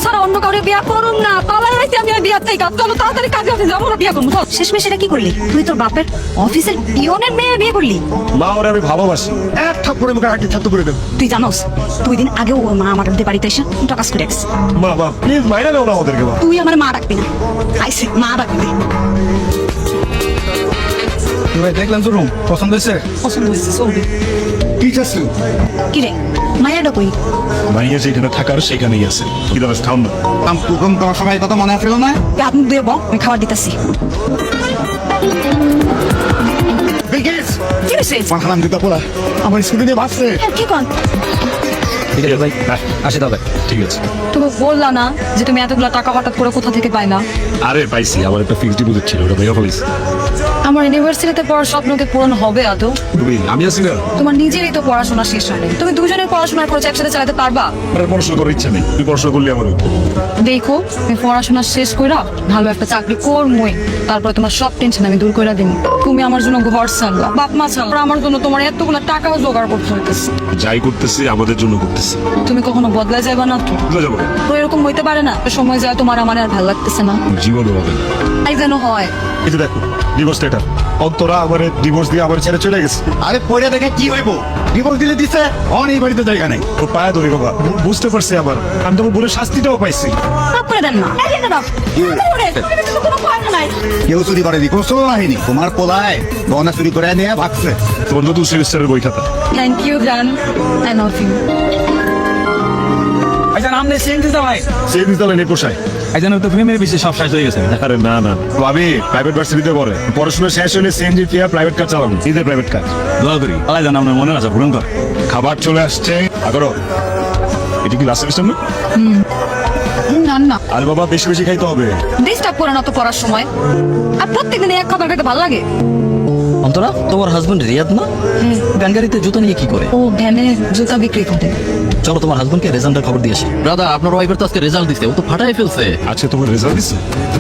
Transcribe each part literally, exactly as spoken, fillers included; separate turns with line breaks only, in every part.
ছাড়া অন্য কাউরে বিয়া করুম না। পালাই আইছি আমি আর বিয়া থেকে। চলো তাড়াতাড়ি কাজে অফিসে যাবো, বিয়া করবো। শেষমেশ এটা কি করলি তুই? তোর বাপের অফিসের পিয়নের মেয়ে বিয়ে করলি?
মা ওরে আমি ভালোবাসি, এক থাপ্পড়ে মুখে হাঁটি ছাত্র করে দেব।
তুই জানোস দুই দিন আগেও ওর মা আমার বাড়িতে এসে টাকাস করে গেছে।
মা মা প্লিজ মাইরা দাও না ওদেরকে। মা
তুই আমার মা ডাকবি না, আইসে মা ডাকবি।
ভাই দেখলাম তো রুম পছন্দ হয়েছে?
পছন্দ হয়েছে, চলবে।
ঠিক আছে
কি রে মায়েরটা কই?
মাইয়া যেখানে থাকার সেখানেই আছে। কি দাও খাও না।
রুম তোমার সবাই কথা মনে আসলো না?
তুই হাত মুখ দিয়ে বল, আমি খাবার দিতেছি। কি হয়েছে?
মাখালাম জুতা পরা আমার স্কুলে নিয়ে বাসছে।
কি কন?
ঠিক আছে ভাই, আসি তবে।
ঠিক আছে।
তুমি বললা না যে তুমি এতগুলো টাকা হঠাৎ করে কোথা থেকে পাইলা?
আরে পাইছি, আমার একটা ফিক্সড ডিপোজিট ছিল, ওটা ভাইয়া ফেলেছি।
আমার ইউনিভার্সিটিতে পড়ার স্বপ্নকে পূরণ হবে আদৌ?
তুমি আমি আছি না।
তোমার নিজেরই তো পড়াশোনা শেষ হয়নি, তুমি দুজনের পড়াশোনার খরচ একসাথে চালাতে পারবা?
আমার পড়াশোনা করার ইচ্ছা নেই, তুমি পড়াশোনা করলে আমার
দেখো তুমি পড়াশোনা শেষ কইরা ভালো একটা চাকরি করমই, তারপর তোমার সব টেনশন আমি দূর করে দিই। তুমি আমার জন্য ঘর ছাড়লা, বাপ মা ছাড়লা, আমার জন্য তোমার এতগুলো টাকাও জোগাড় করতে হইতেছে।
যাই করতেছি আমাদের জন্য করতেছি।
তুমি কখনো বদলা যাবে না তো?
বুঝা যাবো
তো এরকম হইতে পারে না সময় যায় তোমার আমার আর ভালো লাগতেছে না?
জীবনও হবে না।
তাই যেন হয়।
এই যে দেখো ডিভোর্স লেটার, অন্তরা আমার ডিভোর্স দিয়ে আমার ছেড়ে চলে গেছে।
আরে পয়রা দেখে কি হইব? ডিভোর্স দিলে দিছে, অন এই বাড়িতে জায়গা নেই।
ও পায়ে ধরি বাবা, বুঝতে পারছি আবার আমি তোমার বলে শাস্তিটাও পাইছি।
তারপরে দেন না
কেউ চুরি করেনি, কোনো চোর বাহিনী। তোমার পোলায় গহনা চুরি করে নিয়ে ভাগছে।
তোমার নতুন সেমিস্টারের বই খাতা।
থ্যাংক ইউ জান, আই লাভ ইউ।
আচ্ছা নাম নেই চেঞ্জ দিতে ভাই।
সেই দিন তাহলে নেপোসায়।
আচ্ছা তো প্রেমের বেশি সব শেষ হয়ে গেছে।
আরে না না, আমি প্রাইভেট ভার্সিটিতে পড়ে পড়াশোনা শেষ হলে সিএনজি ফিয়া প্রাইভেট কার চালাবো, নিজের প্রাইভেট কার।
দোয়া করি আলাই জান আপনার মনে আছে পূরণ কর।
খাবার চলে আসছে, আগরো এটা কি লাস্ট সেমিস্টার না?
না না
আর বাবা বেশি বেশি খাইতে হবে।
ডিস্টার্ব করে না তো পড়ার সময়। আর প্রত্যেকদিন এক খাবার খেতে ভালো লাগে?
অন্তরা তোমার হাজবেন্ড রিয়াদ না? ভ্যান গাড়িতে জুতা নিয়ে কি করে?
ও ভ্যানে জুতা বিক্রি করে।
চলো তোমার হাজবেন্ডকে রেজাল্টের খবর দিয়ে আসি। দাদা আপনার ওয়াইফের তো আজকে রেজাল্ট দিচ্ছে, ও তো ফাটাই ফেলছে।
আচ্ছা তোমার রেজাল্ট দিচ্ছে?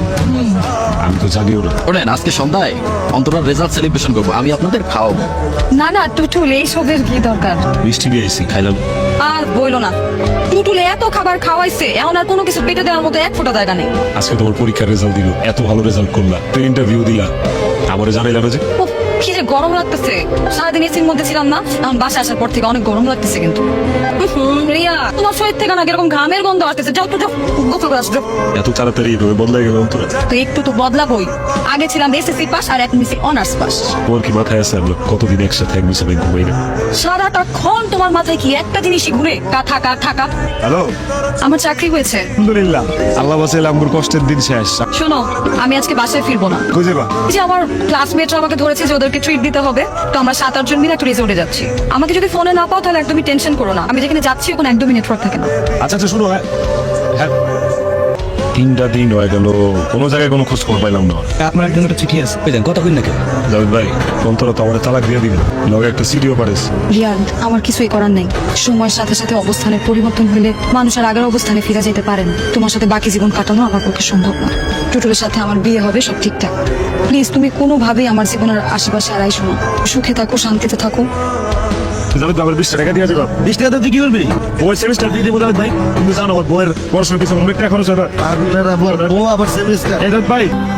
আমি তো জানিও না।
শোনেন আজকে সন্ধ্যায় অন্তরার রেজাল্ট সেলিব্রেশন করবো, আমি আপনাদের খাওয়াবো।
না না টুটুল এইসবের কি দরকার?
মিষ্টি নিয়ে এসেছি, খাইলাম।
আর বইলো না, টুটুলে এত খাবার খাওয়াইছে এখন আর কোনো কিছু পেটে দেওয়ার মতো এক ফোঁটা জায়গা নেই।
আজকে তোমার পরীক্ষার রেজাল্ট দিল, এত ভালো রেজাল্ট করলা, তুই ইন্টারভিউ দিলা, আমারে জানাইলা না যে?
উফ, কি যে গরম লাগতেছে, সারাদিন এসির মধ্যে ছিলাম না, এখন বাসা আসার পর থেকে অনেক গরম লাগতেছে। কিন্তু হুম, রিয়া তোমার শরীর থেকে না এরকম ঘামের গন্ধ আসতেছে, যাও তো যাও গোসল করে আসো।
এত তাড়াতাড়ি এভাবে বদলাই গেল অন্তরা?
তো একটু তো বদলাবই, আগে ছিলাম এসএসসি পাস আর এখন মিশে অনার্স পাস।
তোমার কি মাথায় আছে আমরা কতদিন একসাথে এক মিশে ঘুমাই না?
সারাটা ক্ষণ তোমার মাথায় কি একটা জিনিসই ঘুরে, কা থাকা থাকা।
হ্যালো,
আমার চাকরি হয়েছে
আলহামদুলিল্লাহ, আল্লাহ বাঁচাইলে আমার কষ্টের দিন শেষ।
শোনো আমি আজকে বাসায় ফিরবো না।
খুঁজে বা
এই যে আমার ক্লাসমেটরা আমাকে ধরেছে যে ওদেরকে ট্রিট দিতে হবে, তো আমরা সাত আট জন মিলে একটা রিসোর্টে যাচ্ছি। আমাকে যদি ফোনে না পাও তাহলে একদমই টেনশন করো না, আমি যেখানে যাচ্ছি ওখানে একদমই নেটওয়ার্ক থাকে না।
আচ্ছা আচ্ছা শুনো, হ্যাঁ হ্যাঁ তিনটা দিন হয়ে গেল, কোনো জায়গায় কোনো খোঁজ খবর পাইলাম না।
আপনার একজন একটা চিঠি আছে, বুঝলেন কত দিন নাকি?
জাভেদ ভাই, অন্তরা তো আমার তালাক দিয়ে দিবে, লগে একটা সিডিও পারেস।
রিয়াদ আমার কিছুই করার নেই, সময়ের সাথে সাথে অবস্থানের পরিবর্তন হলে মানুষ আর আগের অবস্থানে ফিরে যেতে পারে না। তোমার সাথে বাকি জীবন কাটানো আমার পক্ষে সম্ভব না। টুটুলের সাথে আমার বিয়ে হবে, সব ঠিকঠাক। প্লিজ তুমি কোনোভাবেই আমার জীবনের আশেপাশে আর আইসো না। সুখে থাকো, শান্তিতে থাকো।
জাভেদ ভাই, আমার বিশ টাকা দিয়ে যাবে।
বিশ টাকা তুই কি করবি?
বই সেমিস্টার দিয়ে দেবো জাভেদ ভাই, তুমি জানো আমার বইয়ের পড়াশোনার পিছনে অনেক টাকা খরচ হয়।
আপনার আবার ও আবার সেমিস্টার।
এই জাভেদ ভাই